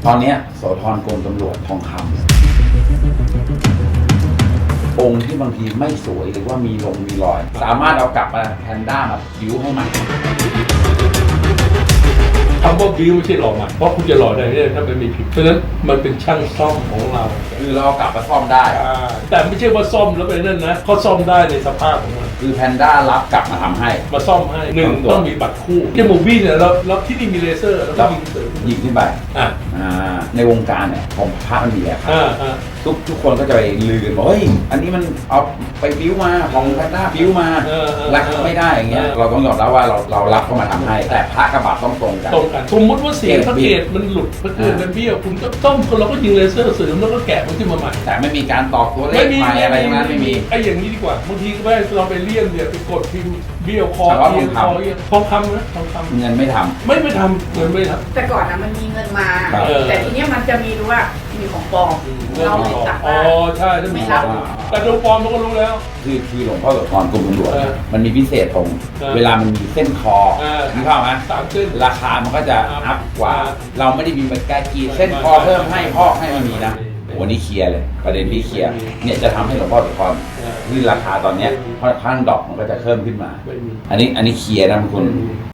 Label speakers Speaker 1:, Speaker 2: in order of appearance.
Speaker 1: ตอนเนี้ยโสธรกรมตำรวจทองคำองค์ที่บางทีไม่สวยหรือว่ามีรอย สามารถเอากลับมาแพนด้ามาบิ้วให้ใหม่
Speaker 2: คำว่าบิ้วไม่ใช่หล่อใหม่เพราะคุณจะหล่อได้ถ้ามันมีผิดเพราะฉะนั้นมันเป็นช่างซ่อมของเรา
Speaker 1: คือเราเอากลับมาซ่อมได้
Speaker 2: แต่ไม่ใช่ว่าซ่อมแล้วไปนั่นนะเขาซ่อมได้ในสภาพของมัน
Speaker 1: คือแพนด้ารับกลับมาทำให้
Speaker 2: มาซ่อมให้หนึ่งต้องมีบัตรคู่จมูกบี้เนี่ยเราที่นี่มีเลเซอร์แล้วก็ยิงเสริม
Speaker 1: ยิงขึ้นไปในวงการเนี่ยของพระมันมีอะครับทุกคนก็จะไปลือกันบอกเฮ้ยอันนี้มันเอาไปบิ้วมาของแพนด้าบิ้วมารักไม่ได้อย่างเงี้ยเราต้องยอมรับว่าเรารับเข้ามาทำให้แต่พระกระบาดต้องตรงกัน
Speaker 2: สมมติว่าเสียงพระเกศมันหลุดพระเกศมันเบี้ยวคุณก็ต้องเราก็ยิงเลเซอร์เสริมแล้วก็แกะมันขึ้นมาใหม่
Speaker 1: แต่ไม่มีการตอกตัวเลขใหม่อะไรทั้งนั้นไม่มี
Speaker 2: ไอ้อย่างนี้ดีกว่าบางทีก็ไม่เราไปเลี่ยมเนี่ยไปกดพิมพ์เบี้ยวคอเบี้ยวคอทองคำนะทองคำ
Speaker 1: เงินไม่ทำ
Speaker 2: ไม่ทำเงินไม่ทำ
Speaker 3: แต่ก่อนนะมันมีเงินมาแต่ทีนี้มันจะมีรู้ว่ามีของปลอมเราเลยตัดว่า
Speaker 2: ใช่ถ้ามีแต่ดูปลอมเราก็รู้แล้ว
Speaker 1: คือหลวงพ่อโสธรกรมตำรวจมันมีพิเศษตรงเวลามันมีเส้นคอมีเข้าไหม
Speaker 2: 3 เส้น
Speaker 1: ราคามันก็จะอัพกว่าเราไม่ได้มีแบบการกีเส้นคอเพิ่มให้พอกให้มันมีนะวันนี้เคลียร์เลยประเด็นที่เคลียร์เนี่ยจะทำให้หลวงพ่อโสธรขึ้นราคาตอนเนี้ยเพราะข้างดอกมันก็จะเพิ่มขึ้นมาอันนี้เคลียร์นะคุณ